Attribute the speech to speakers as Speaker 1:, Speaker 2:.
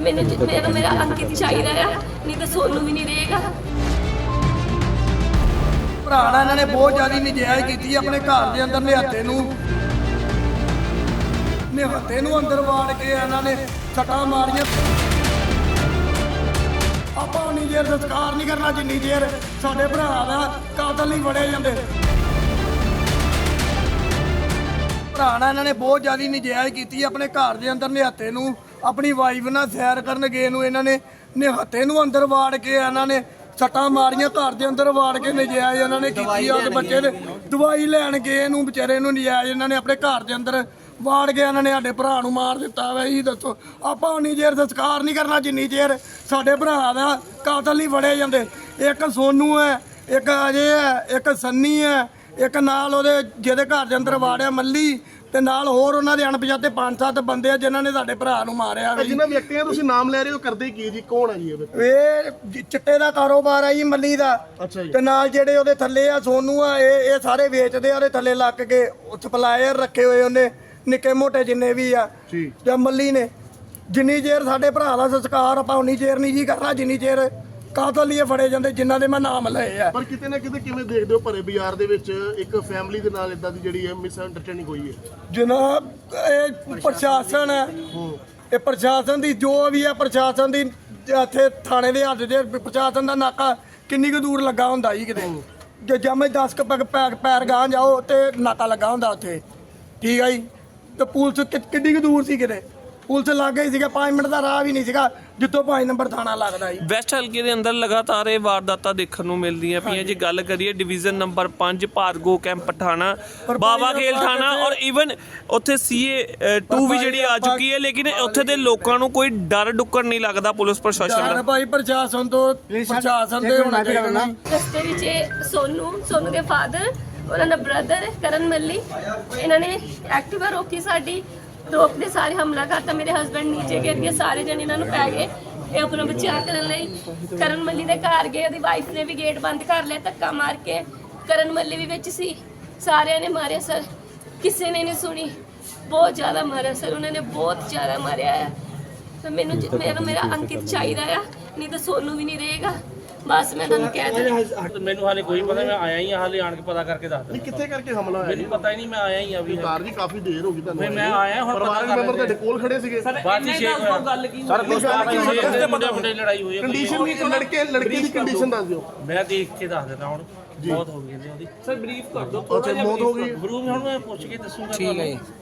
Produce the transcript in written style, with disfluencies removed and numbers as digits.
Speaker 1: ਮੈਨੂੰ ਮੇਰਾ ਅੰਕਿਤ ਚਾਹੀਦਾ ਆ, ਨਹੀਂ ਤਾਂ ਸੋਨੂੰ ਵੀ ਨਹੀਂ ਰਹੇਗਾ।
Speaker 2: ਭਰਾ ਨਾਲ ਇਹਨਾਂ ਨੇ ਬਹੁਤ ਜ਼ਿਆਦਾ ਨਜਾਇਜ਼ ਕੀਤੀ ਆਪਣੇ ਘਰ ਦੇ ਅੰਦਰ ਨਿਹੱਥੇ ਨੂੰ ਅੰਦਰ ਵਾੜ ਕੇ ਇਹਨਾਂ ਨੇ ਸੱਟਾਂ ਮਾਰੀਆਂ। ਆਪਾਂ ਉਨੀ ਦੇਰ ਸੰਸਕਾਰ ਨਹੀਂ ਕਰਨਾ ਜਿੰਨੀ ਦੇਰ ਸਾਡੇ ਭਰਾ ਦਾ ਕਾਤਲ ਨਹੀਂ ਫੜੇ ਜਾਂਦੇ। ਭਰਾ ਨਾਲ ਇਹਨਾਂ ਨੇ ਬਹੁਤ ਜ਼ਿਆਦਾ ਨਜਾਇਜ਼ ਕੀਤੀ ਆਪਣੇ ਘਰ ਦੇ ਅੰਦਰ ਨਿਹੱਥੇ ਨੂੰ ਆਪਣੀ ਵਾਈਫ ਨਾਲ ਸੈਰ ਕਰਨ ਗਏ ਨੂੰ ਇਹਨਾਂ ਨੇ ਨਿਹੱਥੇ ਨੂੰ ਅੰਦਰ ਵਾੜ ਕੇ ਇਹਨਾਂ ਨੇ ਸੱਟਾਂ ਮਾਰੀਆਂ। ਘਰ ਦੇ ਅੰਦਰ ਵਾੜ ਕੇ ਨਜਾਇਜ਼ ਇਹਨਾਂ ਨੇ ਕੀਤੀ। ਉਹਦੇ ਬੱਚੇ ਦੇ ਦਵਾਈ ਲੈਣ ਗਏ ਨੂੰ ਵਿਚਾਰੇ ਨੂੰ ਨਜਾਇਜ਼ ਇਹਨਾਂ ਨੇ ਆਪਣੇ ਘਰ ਦੇ ਅੰਦਰ ਵਾੜ ਕੇ ਇਹਨਾਂ ਨੇ ਸਾਡੇ ਭਰਾ ਨੂੰ ਮਾਰ ਦਿੱਤਾ ਵਾ। ਇਹ ਦੱਸੋ ਆਪਾਂ ਉਨੀ ਦੇਰ ਸੰਸਕਾਰ ਨਹੀਂ ਕਰਨਾ ਜਿੰਨੀ ਦੇਰ ਸਾਡੇ ਭਰਾ ਦਾ ਕਾਤਲ ਨਹੀਂ ਫੜੇ ਜਾਂਦੇ। ਇੱਕ ਸੋਨੂ ਹੈ, ਇੱਕ ਅਜੇ ਹੈ, ਇੱਕ ਸੰਨੀ ਹੈ, ਇੱਕ ਨਾਲ ਉਹਦੇ ਜਿਹਦੇ ਘਰ ਦੇ ਅੰਦਰ ਵਾੜਿਆ ਮੱਲੀ, ਤੇ ਨਾਲ ਹੋਰ ਉਹਨਾਂ ਦੇ ਅਣਪਛਾਤੇ 5-7 ਬੰਦੇ ਆ ਜਿਨ੍ਹਾਂ ਨੇ ਸਾਡੇ ਭਰਾ ਨੂੰ ਮਾਰਿਆ।
Speaker 3: ਜਿਨ੍ਹਾਂ ਵਿਅਕਤੀਆਂ ਤੁਸੀਂ ਨਾਮ ਲੈ ਰਹੇ ਹੋ ਕਰਦੇ ਕੀ ਜੀ, ਕੌਣ ਹੈ ਜੀ
Speaker 2: ਇਹ ਚਿੱਟੇ ਦਾ ਕਾਰੋਬਾਰ ਆ ਜੀ ਮੱਲੀ ਦਾ।
Speaker 3: ਅੱਛਾ ਜੀ।
Speaker 2: ਤੇ ਨਾਲ ਜਿਹੜੇ ਉਹਦੇ ਥੱਲੇ ਆ ਸੋਨੂ ਆ, ਇਹ ਸਾਰੇ ਵੇਚਦੇ ਆ। ਉਹਦੇ ਥੱਲੇ ਲੱਗ ਕੇ ਸਪਲਾਇਰ ਰੱਖੇ ਹੋਏ ਉਹਨੇ ਨਿੱਕੇ ਮੋਟੇ ਜਿੰਨੇ ਵੀ ਆ
Speaker 3: ਜੀ।
Speaker 2: ਤੇ ਮੱਲੀ ਨੇ ਜਿੰਨੀ ਚਿਰ ਸਾਡੇ ਭਰਾ ਦਾ ਸੰਸਕਾਰ ਆਪਾਂ ਉਨੀ ਚਿਰ ਨਹੀਂ ਜੀ ਕਰਨਾ ਜਿੰਨੀ ਚਿਰ ਕਾਤਲ ਹੀ ਫੜੇ ਜਾਂਦੇ ਜਿਨ੍ਹਾਂ ਦੇ ਮੈਂ ਨਾਮ ਲਏ ਆ।
Speaker 3: ਪਰ ਕਿਤੇ ਨਾ ਕਿਤੇ ਕਿਵੇਂ ਦੇਖਦੇ ਹੋ ਭਰੇ ਬਾਜ਼ਾਰ ਦੇ ਵਿੱਚ ਇੱਕ ਫੈਮਿਲੀ ਦੇ ਨਾਲ ਇਦਾਂ ਦੀ ਜਿਹੜੀ ਹੈ ਮਿਸ ਅੰਡਰਸਟੈਂਡਿੰਗ ਹੋਈ ਹੈ?
Speaker 2: ਜਨਾਬ ਇਹ ਪ੍ਰਸ਼ਾਸਨ ਹੈ, ਇਹ ਪ੍ਰਸ਼ਾਸਨ ਦੀ ਜੋ ਵੀ ਹੈ ਪ੍ਰਸ਼ਾਸਨ ਦੀ ਇੱਥੇ ਥਾਣੇ ਦੇ ਹੱਥ ਦੇ ਪ੍ਰਸ਼ਾਸਨ ਦਾ ਨਾਕਾ ਕਿੰਨੀ ਕੁ ਦੂਰ ਲੱਗਾ ਹੁੰਦਾ ਜੀ ਕਿਤੇ ਜੇ ਜਮੇ 10 ਪੈਰ ਗਾਂ ਜਾਓ ਤੇ ਨਾਕਾ ਲੱਗਾ ਹੁੰਦਾ ਉੱਥੇ। ਠੀਕ ਹੈ ਜੀ। ਤੇ ਪੁਲਿਸ ਕਿੰਨੀ ਕੁ ਦੂਰ ਸੀ ਕਿਤੇ? ਪੁਲਿਸ ਲੱਗ ਗਈ ਸੀਗਾ 5 ਮਿੰਟ ਦਾ ਰਾਹ ਵੀ ਨਹੀਂ ਸੀਗਾ ਜਿੱਥੋਂ 5 ਨੰਬਰ ਥਾਣਾ ਲੱਗਦਾ ਜੀ।
Speaker 4: ਵੈਸਟ ਹਲਕੇ ਦੇ ਅੰਦਰ ਲਗਾਤਾਰ ਇਹ ਵਾਰਦਾਤਾਂ ਦੇਖਣ ਨੂੰ ਮਿਲਦੀਆਂ ਪਈਆਂ। ਜੇ ਗੱਲ ਕਰੀਏ ਡਿਵੀਜ਼ਨ ਨੰਬਰ 5 ਭਾਰਗੋ ਕੈਂਪ ਥਾਣਾ, ਬਾਬਾ ਖੇਲ ਥਾਣਾ ਔਰ ਈਵਨ ਉੱਥੇ CA 2 ਵੀ ਜਿਹੜੀ ਆ ਚੁੱਕੀ ਹੈ, ਲੇਕਿਨ ਉੱਥੇ ਦੇ ਲੋਕਾਂ ਨੂੰ ਕੋਈ ਡਰ ਡੁੱਕਰ ਨਹੀਂ ਲੱਗਦਾ ਪੁਲਿਸ ਪ੍ਰਸ਼ਾਸਨ ਦਾ।
Speaker 2: ਭਾਈ ਪ੍ਰਸ਼ਾਸਨ ਦੇ ਹੋਣਾ ਚਾਹੀਦਾ ਨਾ।
Speaker 1: ਰਸਤੇ ਵਿੱਚ ਇਹ ਸੋਨੂ ਦੇ ਫਾਦਰ, ਉਹਨਾਂ ਦਾ ਬ੍ਰਦਰ ਕਰਨ ਮੱਲੀ, ਇਹਨਾਂ ਨੇ ਐਕਟਿਵਾ ਰੋਕੀ ਸਾਡੀ, ਰੋਕਦੇ ਸਾਰੇ ਹਮਲਾ ਕਰਤਾ। ਮੇਰੇ ਹਸਬੰਡ ਨੀਚੇ ਗਿਰ ਗਏ, ਸਾਰੇ ਜਣੇ ਇਹਨਾਂ ਨੂੰ ਪੈ ਗਏ। ਇਹ ਆਪਣਾ ਬਚਾਅ ਕਰਨ ਲਈ ਕਰਨ ਮੱਲੀ ਦੇ ਘਰ ਗਏ। ਉਹਦੀ ਵਾਈਫ ਨੇ ਵੀ ਗੇਟ ਬੰਦ ਕਰ ਲਿਆ ਧੱਕਾ ਮਾਰ ਕੇ। ਕਰਨ ਮੱਲੀ ਵੀ ਵਿੱਚ ਸੀ। ਸਾਰਿਆਂ ਨੇ ਮਾਰਿਆ ਸਰ, ਕਿਸੇ ਨੇ ਨਹੀਂ ਸੁਣੀ। ਬਹੁਤ ਜ਼ਿਆਦਾ ਮਾਰਿਆ ਸਰ, ਉਹਨਾਂ ਨੇ ਬਹੁਤ ਜ਼ਿਆਦਾ ਮਾਰਿਆ ਹੈ। ਤੇ ਮੈਨੂੰ ਮੇਰਾ ਅੰਕਿਤ ਚਾਹੀਦਾ ਆ, ਨਹੀਂ ਤਾਂ ਸੋਨੂੰ ਵੀ ਨਹੀਂ ਰਹੇਗਾ। ਬਸ ਮੈਂ ਤੁਹਾਨੂੰ ਕਹਿ ਦਿੰਦਾ।
Speaker 5: ਮੈਨੂੰ ਹਾਲੇ ਕੋਈ ਪਤਾ, ਮੈਂ ਆਇਆ ਹੀ ਆ, ਹਾਲੇ ਆਣ ਕੇ ਪਤਾ ਕਰਕੇ ਦੱਸ
Speaker 3: ਨਹੀਂ ਕਿੱਥੇ ਕਰਕੇ ਹਮਲਾ ਹੋਇਆ?
Speaker 5: ਮੈਨੂੰ ਪਤਾ ਹੀ ਨਹੀਂ, ਮੈਂ ਆਇਆ ਹੀ ਆ ਵੀ।
Speaker 3: ਕਾਰ ਜੀ ਕਾਫੀ ਦੇਰ ਹੋ ਗਈ ਤੁਹਾਨੂੰ।
Speaker 5: ਮੈਂ ਆਇਆ ਹੁਣ ਪਤਾ
Speaker 3: ਪਰਿਵਾਰਕ ਮੈਂਬਰ ਤੁਹਾਡੇ ਕੋਲ ਖੜੇ ਸੀਗੇ।
Speaker 5: ਬਾਅਦ ਵਿੱਚ ਗੱਲ ਕੀ
Speaker 3: ਸਰ
Speaker 5: ਮੁੰਡੇ ਲੜਾਈ ਹੋਈ ਹੈ।
Speaker 3: ਕੰਡੀਸ਼ਨ ਵੀ ਲੜਕੇ ਦੀ ਕੰਡੀਸ਼ਨ ਦੱਸ ਦਿਓ।
Speaker 5: ਮੈਂ ਦੇਖ ਕੇ ਦੱਸ ਦਿੰਦਾ ਹੁਣ। ਬਹੁਤ ਹੋ ਗਈ ਉਹਦੀ। ਸਰ ਬਰੀਫ ਕਰ ਦਿਓ
Speaker 3: ਅੱਛਾ ਮੌਤ ਹੋ ਗਈ।
Speaker 5: ਬਰੂਮ ਹੁਣ ਮੈਂ ਪੁੱਛ ਕੇ ਦੱਸੂਗਾ। ਠੀਕ ਹੈ।